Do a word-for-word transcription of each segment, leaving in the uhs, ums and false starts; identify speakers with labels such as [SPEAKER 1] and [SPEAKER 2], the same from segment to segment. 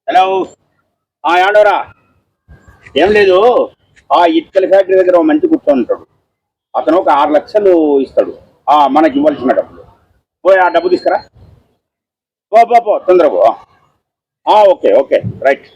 [SPEAKER 1] Hello ఏమండవరా? ఏం లేదు, ఆ ఇటుకల ఫ్యాక్టరీ దగ్గర ఒక మంచి కూర్చొని ఉంటాడు. అతను ఒక ఆరు లక్షలు ఇస్తాడు ఆ మనకి ఇవ్వాల్సిన డబ్బులు. పోయి ఆ డబ్బు తీసుకురా. పో పో పో తొందర పో. Okay okay right.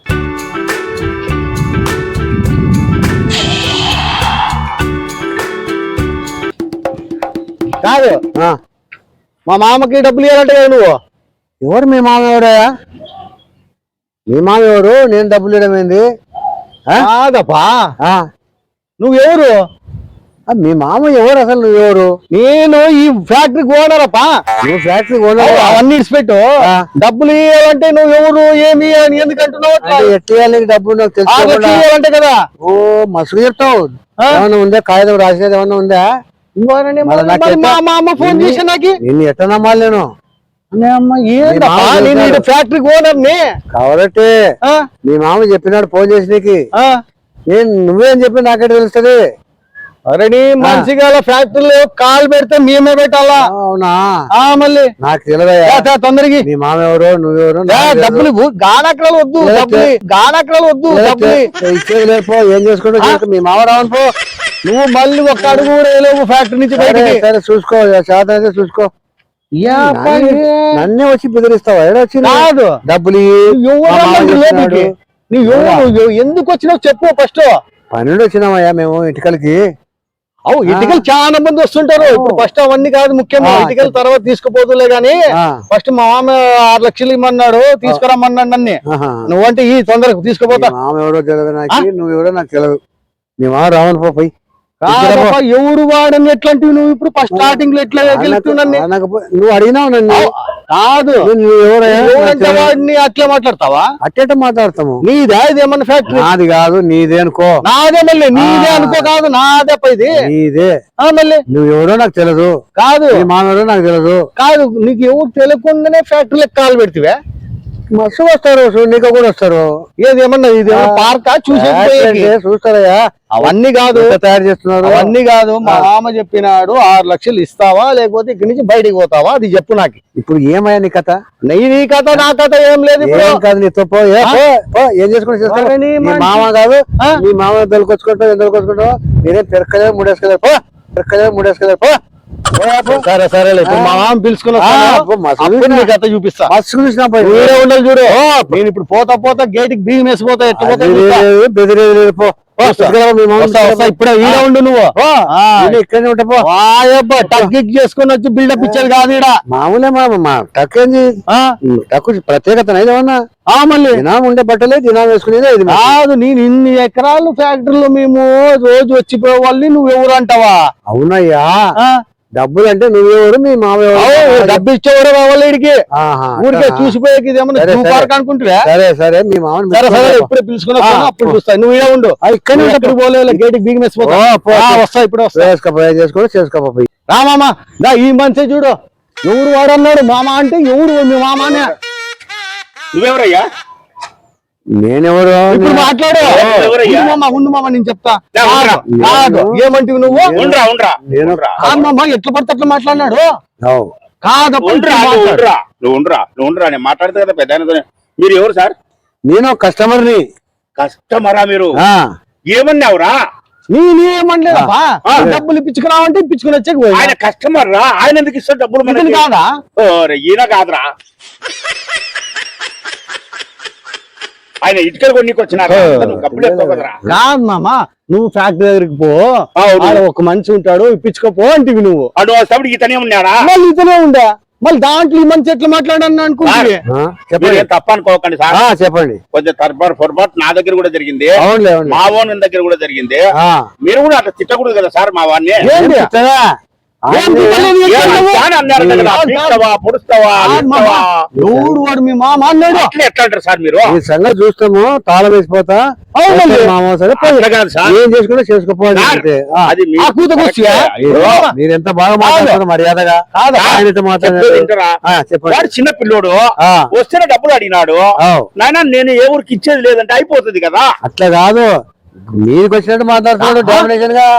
[SPEAKER 2] కాదు మా మామకి డబ్బులు ఇవ్వాలంటే కదా నువ్వు.
[SPEAKER 3] ఎవరు మీ మామ? ఎవరయ్యా మీ మామ? ఎవరు? నేను డబ్బులు ఇవ్వడం ఏంది?
[SPEAKER 2] కాదప్పా, నువ్వెవరు?
[SPEAKER 3] మీ మామ ఎవరు అసలు? నువ్వెవరు?
[SPEAKER 2] నేను ఈ ఫ్యాక్టరీకి ఓనర్ అప్పా.
[SPEAKER 3] నువ్వు ఫ్యాక్టరీ ఓనర్?
[SPEAKER 2] అవన్నీ ఇచ్చిపెట్టు. డబ్బులు ఇవ్వాలంటే నువ్వెవరు ఏమి అని ఎందుకంటున్నావు?
[SPEAKER 3] ఎట్లా డబ్బులు నాకు
[SPEAKER 2] తెలుసు కదా.
[SPEAKER 3] ఓ మసుగు చెప్తావు. ఏమన్నా ఉందా? కాగితం రాసేది ఏమన్నా ఉందా?
[SPEAKER 2] మా అమ్మ ఫోన్ చేసి నాకు
[SPEAKER 3] నిన్ను ఎట్లా నమ్మాలి నేను?
[SPEAKER 2] నేను ఫ్యాక్టరీకి ఓనర్ ని
[SPEAKER 3] కాబట్టి మీ మామ చెప్పినాడు ఫోన్ చేసి నీకు. నేను నువ్వేం చెప్పి నాకెట్ తెలుస్తుంది?
[SPEAKER 2] అరే మనిషిగా ఫ్యాక్టరీలో కాలు పెడితే మేమే పెట్టాలా?
[SPEAKER 3] అవునా?
[SPEAKER 2] మళ్ళీ
[SPEAKER 3] నాకు తెలియదా
[SPEAKER 2] తొందరగా.
[SPEAKER 3] మీ మామ ఎవరు? నువ్వెవరు?
[SPEAKER 2] డబ్బులు గానక్కలు వద్దు, గానక్కలు వద్దు.
[SPEAKER 3] ఇచ్చేది లేపో. ఏం చేసుకుంటా మీ మామ రావను పో.
[SPEAKER 2] నువ్వు మళ్ళీ ఒక్క అడుగు కూడా వేయలేవు ఫ్యాక్టరీ నుంచి బయటకి.
[SPEAKER 3] సరే చూసుకో, శాతం అయితే చూసుకో. నన్నే వచ్చి బెదిరిస్తావా? ఎడ వచ్చి
[SPEAKER 2] కాదు
[SPEAKER 3] డబ్బులు
[SPEAKER 2] నువ్వు ఎందుకు వచ్చినావు చెప్పు ఫస్ట్.
[SPEAKER 3] పన్నెండు వచ్చినామయ్యా మేము ఇటుకలకి.
[SPEAKER 2] అవు ఇటుకలు చాలా మంది వస్తుంటారు. ఇప్పుడు ఫస్ట్ అవన్నీ కాదు ముఖ్యంగా, ఇటుకలు తర్వాత తీసుకుపోతులే గాని ఫస్ట్ మా మామ ఆరు లక్షలు ఇమ్మన్నాడు, తీసుకురమ్మన్నాడు నన్ను. నువ్వంటే ఈ తొందరగా తీసుకుపోతా.
[SPEAKER 3] మామ ఎవరో తెలియదు నాకు, నువ్వెవరో నాకు తెలియదు. మీ మామ రావను పో. పోయి
[SPEAKER 2] ఎవరు వాడని ఎట్లాంటివి నువ్వు ఇప్పుడు ఫస్ట్ స్టార్టింగ్ లో ఎట్లా గెలుస్తున్నాను?
[SPEAKER 3] నువ్వు అడిగినావు నన్ను.
[SPEAKER 2] కాదు వాడిని అట్లా మాట్లాడతావా?
[SPEAKER 3] అట్టేట మాట్లాడతాము.
[SPEAKER 2] నీదే ఇదేమన్నా ఫ్యాక్టరీ?
[SPEAKER 3] నాది కాదు, నీదే అనుకో.
[SPEAKER 2] నాదే మళ్ళీ నీదే అనుకో. కాదు నాదే ఇది
[SPEAKER 3] నీదే.
[SPEAKER 2] మళ్ళీ
[SPEAKER 3] నువ్వెవరో నాకు తెలియదు.
[SPEAKER 2] కాదు
[SPEAKER 3] మానవరో నాకు తెలియదు.
[SPEAKER 2] కాదు నీకు ఎవరు తెలియకుండానే ఫ్యాక్టరీలకు కాలు పెడితే
[SPEAKER 3] మస్తు వస్తారు, నీకు కూడా వస్తారు.
[SPEAKER 2] ఏది ఏమన్నా ఇది పార్కా చూసే
[SPEAKER 3] చూస్తారయ్యా?
[SPEAKER 2] అవన్నీ కాదు
[SPEAKER 3] తయారు చేస్తున్నారు.
[SPEAKER 2] అవన్నీ కాదు. మా మామ చెప్పినాడు ఆరు లక్షలు ఇస్తావా లేకపోతే ఇక్కడి నుంచి బయటికి పోతావా అది చెప్పు నాకు.
[SPEAKER 3] ఇప్పుడు ఏమయ్యా నీ కథ?
[SPEAKER 2] నీ నీ కథ నా కథ ఏం లేదు.
[SPEAKER 3] కాదు నీతో ఏం చేసుకుంటే మామ కాదు. మీ మామ దొరికొచ్చుకుంటావు, ఎంత దొరికొచ్చుకుంటావు? మీరేం పెరక్కలేదు మూడేసుకెళ్ళారు పో. పెరక్కలేదు మూడేసుకెళ్ళారు పో.
[SPEAKER 2] సరే సరే మా మామ పిలుచుకున్నా కథ చూపిస్తా.
[SPEAKER 3] వేరే
[SPEAKER 2] ఉండాలి చూడు. నేను ఇప్పుడు పోతా పోతా గేటుకి బియ్యం వేసిపోతా. ఎట్లా
[SPEAKER 3] బెదిరేది పో.
[SPEAKER 2] ఇప్పుడే ఈడ ఉండు నువ్వు.
[SPEAKER 3] ఇక్కడనే ఉంటా.
[SPEAKER 2] టక్ చేసుకుని వచ్చి బిల్డప్ ఇచ్చేది కాదు ఈడ.
[SPEAKER 3] మామూలే మా టక్ ఏంది? టక్ ప్రత్యేకత ఏమన్నా?
[SPEAKER 2] మళ్ళీ
[SPEAKER 3] దినం ఉండే బట్టలే దినం వేసుకునేది. ఇది
[SPEAKER 2] కాదు. నేను ఇన్ని ఎకరాలు ఫ్యాక్టరీలో మేము రోజు వచ్చిపోయే వాళ్ళని నువ్వు ఎవరు అంటావా?
[SPEAKER 3] అవునయ్యా. డబ్బులు అంటే నువ్వెవరు? మీ మామ
[SPEAKER 2] డబ్బు ఇచ్చేవాడు కావాలి ఇడికి. ఊరికే చూసిపోయేది ఏమన్నా అనుకుంటున్నా.
[SPEAKER 3] సరే సరే మీ మామ
[SPEAKER 2] ఇప్పుడే పిలుచుకున్నా అప్పుడు చూస్తాయి. నువ్వు ఇలా ఉండు.
[SPEAKER 3] ఇక్కడ
[SPEAKER 2] ఎక్కడ పోలే గేటుకి బిగిన వస్తా. ఇప్పుడు
[SPEAKER 3] చేసుకోపోయా చేసుకో చేసుకోపోయి
[SPEAKER 2] రామామా దా ఈ మనిషి చూడు. ఎవరు వాడన్నాడు మామ అంటే ఎవరు? మీ మామనే.
[SPEAKER 1] నువ్వెవరయ్యా?
[SPEAKER 3] నేనెవరు?
[SPEAKER 2] ఇప్పుడు మాట్లాడు. ఉండు మామ నేను చెప్తా. కాదు ఏమంటివి నువ్వు?
[SPEAKER 1] ఉండరా ఉండరా
[SPEAKER 2] మామ ఎట్లా పడితే అట్లా మాట్లాడినాడు. కాదు
[SPEAKER 1] నువ్వు ఉండరా నువ్వు ఉండరా నేను మాట్లాడతా కదా పెద్ద. మీరు ఎవరు సార్?
[SPEAKER 3] నేను కస్టమర్ ని.
[SPEAKER 1] కస్టమరా మీరు? ఏమన్నావురా?
[SPEAKER 2] నేనేమనలేదబ్బా. డబ్బులు ఇప్పించుకురావంటే ఇప్పించుకుని వచ్చే.
[SPEAKER 1] ఆయన కస్టమర్ రా. ఆయన ఎందుకు ఇస్తాడు డబ్బులు? మనకి
[SPEAKER 2] కాదా?
[SPEAKER 1] ఈయన కాదురా. ఆయన ఇటుకలు కొన్నికి వచ్చినారా?
[SPEAKER 2] కాదు మామ నువ్వు ఫ్యాక్టరీ దగ్గరికి పో. ఒక మనిషి ఉంటాడు ఇప్పించుకోపో అంటివి నువ్వు.
[SPEAKER 1] అడు వస్తాడు ఇతనే ఉన్నాడా?
[SPEAKER 2] మళ్ళీ ఇతనే ఉండా. మళ్ళీ దాంట్లో ఈ మనిషి ఎట్లా మాట్లాడాను అనుకుంటే
[SPEAKER 1] తప్ప అనుకోకండి సార్.
[SPEAKER 3] చెప్పండి.
[SPEAKER 1] కొంచెం తర్పాటు పొరపాటు నా దగ్గర కూడా జరిగింది, మా ఓన్ దగ్గర కూడా జరిగింది. మీరు కూడా అట్లా తిట్టకూడదు కదా సార్ మా వాడిని.
[SPEAKER 2] వాడు మీ మామ అన్నాడు.
[SPEAKER 1] ఎట్లా అంటారు సార్ మీరు?
[SPEAKER 3] ఈ సంగతి చూస్తాము తాళం వేసిపోతా. ఏం చేసుకుంటే చేసుకోపోవాలి. మీరు ఎంత బాగా మాట్లాడుతున్నారు మర్యాదగా.
[SPEAKER 1] చెప్పండి. చిన్న పిల్లోడు వస్తేనే డబ్బులు అడిగినాడు. నాయన నేను ఏ ఊరికి ఇచ్చేది లేదంటే అయిపోతుంది కదా.
[SPEAKER 3] అట్లా కాదు, మీకు వచ్చినట్టు మాట్లాడుతున్నాడు డామినేషన్ గా.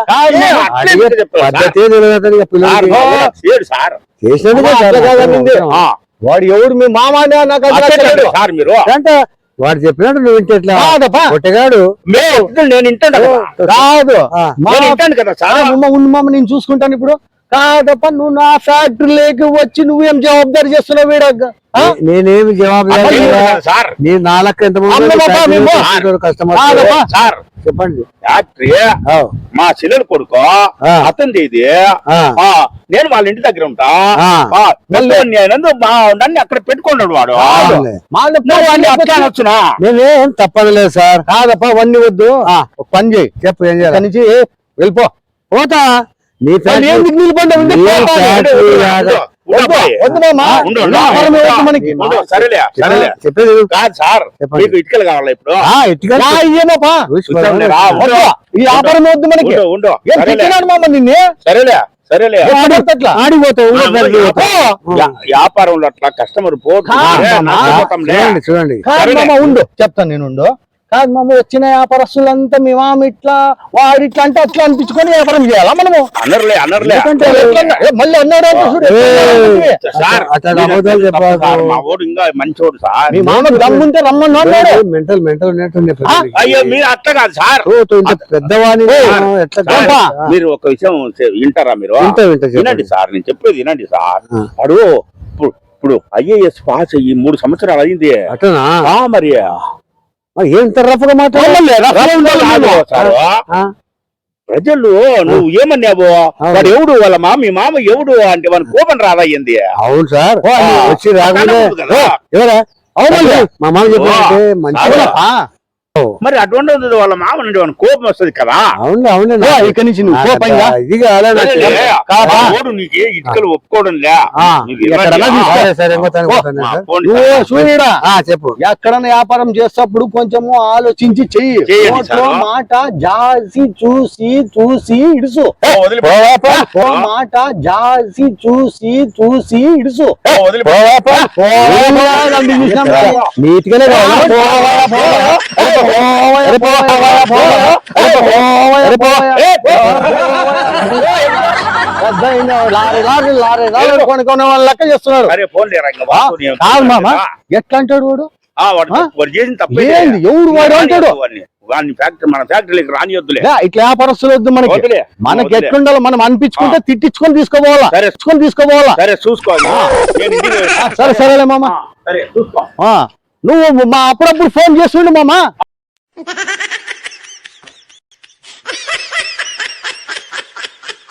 [SPEAKER 2] వాడు ఎవడు మీ మామ?
[SPEAKER 1] సార్ మీరు
[SPEAKER 3] అంటే వాడు చెప్పినట్టు నువ్వు వింటే ఎట్లా
[SPEAKER 2] కాదప్పా.
[SPEAKER 3] కొట్టగాడు
[SPEAKER 1] మేము చెప్తే నేను వింటాను కదా.
[SPEAKER 2] కాదు
[SPEAKER 3] ఆ.
[SPEAKER 2] మా-
[SPEAKER 1] నేను వింటాను కదా
[SPEAKER 2] ఆ,
[SPEAKER 1] సార్.
[SPEAKER 2] ఉమ్మ ఉండు మామ నేను చూసుకుంటాను ఇప్పుడు. కాదప్ప నువ్వు నా ఫ్యాక్టరీలోకి వచ్చి నువ్వేం జవాబుదారి చేస్తున్నావు వీడగ్గ
[SPEAKER 3] నే- నేనేమి జవాబు
[SPEAKER 1] అసలు
[SPEAKER 3] లేదు కదా.
[SPEAKER 1] లేదు సార్.
[SPEAKER 3] నీ నాలుగు ఎంత
[SPEAKER 2] అమ్మ బాబా, మేము-
[SPEAKER 3] కస్టమర్
[SPEAKER 2] కాదప్పా.
[SPEAKER 1] సార్
[SPEAKER 3] చెప్పండి
[SPEAKER 1] ఫ్యాక్టరీ
[SPEAKER 3] ఆ,
[SPEAKER 1] మా చెల్లెలు కొడుకు
[SPEAKER 3] ఆ.
[SPEAKER 1] అతనిది ఇది.
[SPEAKER 3] ఆ.
[SPEAKER 1] ఆ, నేను వాళ్ళ ఇంటి దగ్గర ఉంటా.
[SPEAKER 3] ఆ.
[SPEAKER 1] ఆ, పెద్దవాడిని అయినందు మా నన్ను అక్కడ పెట్టుకున్నాడు వాడు.
[SPEAKER 3] అవునులే.
[SPEAKER 1] నువ్వు వాడిని అట్లా అనొచ్చునా?
[SPEAKER 3] నేనేం తప్పదలేదు సార్.
[SPEAKER 2] కాదప్ప వన్ని వద్దు
[SPEAKER 3] ఆ.
[SPEAKER 2] ఒక పని చేయి
[SPEAKER 3] చెప్పు ఏం చేయాలి
[SPEAKER 2] ఇక్కడి నుంచి వెళ్ళిపో.
[SPEAKER 3] పోతా నీ
[SPEAKER 2] వాళ్ళు
[SPEAKER 3] ఫ్యాక్టరీ-
[SPEAKER 2] ఏం దిగులు పండు ఉంది?
[SPEAKER 3] నీ
[SPEAKER 2] పోతా.
[SPEAKER 3] ఫ్యాక్టరీ
[SPEAKER 1] ఉండు,
[SPEAKER 3] లాగా-
[SPEAKER 1] ఉండు, అబ్బాయి.
[SPEAKER 2] వద్దు మామ.
[SPEAKER 1] ఉండు, ఉండు.
[SPEAKER 2] వ్యాపారం ఏమొద్దు మనకి.
[SPEAKER 1] ఉండు, సరేలే సరేలే.
[SPEAKER 3] చెప్పేది విను.
[SPEAKER 1] కాదు సార్,
[SPEAKER 3] చెప్పండి.
[SPEAKER 1] మీకు ఇటుకలు కావాలా ఇప్పుడు?
[SPEAKER 3] ఆ, ఎట్టుగా
[SPEAKER 2] యా, ఇయ్యేమోపా.
[SPEAKER 1] కూర్చోండి, రా, ఉండు.
[SPEAKER 2] వద్దు. ఈ వ్యాపారం వద్దు మనకి.
[SPEAKER 1] ఉండు, ఉండు.
[SPEAKER 2] ఏం
[SPEAKER 1] సరేలే.
[SPEAKER 2] తిట్టినాడు మామ నిన్నే
[SPEAKER 1] సరేలే సరేలే.
[SPEAKER 2] అట్లా
[SPEAKER 3] ఆడిపోతావు ఊళ్ళో
[SPEAKER 1] ఆ,
[SPEAKER 3] ఫ్యాక్టరీ
[SPEAKER 1] ఉండు.
[SPEAKER 3] పోతావు.
[SPEAKER 1] వ్యా- వ్యాపారంలో అట్లా కస్టమర్ పోతే
[SPEAKER 2] కాదు మామ.
[SPEAKER 1] నష్టపోతాంలే.
[SPEAKER 3] చూడండి చూడండి
[SPEAKER 2] కాదు
[SPEAKER 1] సరేలే.
[SPEAKER 2] మామ ఉండు చెప్తాను నేను ఉండు. కాదు మామ వచ్చిన వ్యాపారస్తులంతా మీ మామ ఇట్లా వాడు ఇట్లా అంటే అట్లా అనిపించుకొని వ్యాపారం చేయాలా మనము?
[SPEAKER 1] అనర్లే అనర్లే.
[SPEAKER 2] ఎందుకంటే ఎట్లా అన్నా- ఏ, మళ్ళీ అన్నాడు అంటే చూడు, ఎట్లా
[SPEAKER 3] ఏయ్.
[SPEAKER 2] అన్నాడు?
[SPEAKER 1] సార్,
[SPEAKER 3] అట్లా
[SPEAKER 1] మీరు
[SPEAKER 3] అబద్ధాలు
[SPEAKER 1] తప్పు
[SPEAKER 3] చెప్పారు.
[SPEAKER 1] సార్, మా ఓడు ఇంకా మంచోడు సార్.
[SPEAKER 2] మీ మామ దమ్ముంటే రమ్మని అన్నాడు.
[SPEAKER 3] మెంటల్ మెంటల్ ఉన్నట్టుంది పెద్దవాడికి.
[SPEAKER 1] అయ్యో మీరు అట్లా కాదు సార్.
[SPEAKER 3] ఓ, తో ఇంత పెద్దవాణి
[SPEAKER 1] సార్,
[SPEAKER 3] ఎట్లా
[SPEAKER 1] సార్,
[SPEAKER 3] గొప్ప?
[SPEAKER 1] మీరు ఒక విషయం చె- వింటారా మీరు?
[SPEAKER 3] వింటా, వింటా, చెప్పండి.
[SPEAKER 1] వినండి సార్, నేను చెప్పేది వినండి సార్.
[SPEAKER 3] ఆ.
[SPEAKER 1] వాడు ఇప్పుడు ఇప్పుడు ఐఏఎస్ పాస్ అయ్యి మూడు సంవత్సరాలు అయింది.
[SPEAKER 3] అట్లనా
[SPEAKER 1] ఆ, మరి
[SPEAKER 3] మరి ఏం రఫ్గా
[SPEAKER 1] అవునులే, రఫ్గా ఉండాలి కాదు సార్.
[SPEAKER 3] మాట్లాడు
[SPEAKER 1] ప్రజలు నువ్వు ఏమన్నావు?
[SPEAKER 3] అవును.
[SPEAKER 1] వాడు ఎవడు వాళ్ళ మామ మీ మామ ఎవడు అంటే వాని కోపం రాదయ్యింది.
[SPEAKER 3] అవును సార్
[SPEAKER 1] ఆ.
[SPEAKER 3] వచ్చి రాగానే
[SPEAKER 1] అట్లా కదా.
[SPEAKER 3] ఎవరా అవునండి మా మామ చెప్పారంటే మంచిగా
[SPEAKER 1] అవునా? మరి అటువంటి వాళ్ళ మామ నుండి వాని కోపం వస్తుంది కదా.
[SPEAKER 3] అవును అవును
[SPEAKER 2] ఓ, ఇక్కడి నుంచి నువ్వు పో పైగా.
[SPEAKER 3] ఇది కాలే నాకు.
[SPEAKER 1] సరేలే,
[SPEAKER 2] కాదా?
[SPEAKER 1] ఆ ఓడు నీకు ఇటుకలు ఒప్పుకోవడం లే.
[SPEAKER 3] ఆ,
[SPEAKER 1] నీకు
[SPEAKER 2] ఎక్కడన్నా
[SPEAKER 1] ఇవ్వండి.
[SPEAKER 2] తీసుకో.
[SPEAKER 3] సరే సరే ఇంకోతాను,
[SPEAKER 1] ఆ,
[SPEAKER 3] ఇంకోతాను సార్.
[SPEAKER 1] పోండి
[SPEAKER 2] నువ్వు
[SPEAKER 1] సార్.
[SPEAKER 2] సూర్యుడా
[SPEAKER 3] ఆ, చెప్పు
[SPEAKER 2] ఎక్కడన్నా వ్యాపారం చేసేటప్పుడు కొంచెము ఆలోచించి చెయ్యి.
[SPEAKER 1] చెయ్యండి
[SPEAKER 2] నోట్లో
[SPEAKER 1] సార్.
[SPEAKER 2] మాట జాసి చూసి చూసి ఇడుసు.
[SPEAKER 1] ఓ, వదిలిపో.
[SPEAKER 2] ఓ మాట జాసి చూసి చూసి ఇడుసు.
[SPEAKER 1] ఓ, వదిలిపో.
[SPEAKER 3] నీట్ గానే కావాలి.
[SPEAKER 2] లారీ లారీ లారీ లారీ కొనుక్కునే వాళ్ళు లెక్క చేస్తున్నారు.
[SPEAKER 1] సరే పోన్లే రంగ,
[SPEAKER 2] ఆ,
[SPEAKER 1] వాసు నేను
[SPEAKER 2] కాదు మామ
[SPEAKER 1] ఆ,
[SPEAKER 2] ఎట్లా అంటాడు వాడు?
[SPEAKER 1] ఆ, వాడు
[SPEAKER 2] ఆ?
[SPEAKER 1] వాడు చేసిన తప్పే.
[SPEAKER 2] ఏంది? ఎవడు వాడు అంటాడు?
[SPEAKER 1] వాడిని వాడిని ఫ్యాక్టరీ మన ఫ్యాక్టరీకి రానియొద్దులే.
[SPEAKER 2] లే, ఇట్లా వ్యాపారస్తులు వద్దు మనకి.
[SPEAKER 1] వదిలే.
[SPEAKER 2] మనకి
[SPEAKER 1] వదిలే.
[SPEAKER 2] ఎట్లుండాలో మనం అనిపించుకుంటే తిట్టించుకొని తీసుకోపోవాలా,
[SPEAKER 1] సరే.
[SPEAKER 2] తెచ్చుకొని తీసుకోపోవాలా.
[SPEAKER 1] సరే చూసుకోవాలి. నేను ఇంటికి-
[SPEAKER 2] ఆ, సరే సరేలే మామ.
[SPEAKER 1] ఆ, సరే చూసుకో.
[SPEAKER 2] ఆ, నువ్వు మా అప్పుడప్పుడు ఫోన్ చేస్తుండు మామ.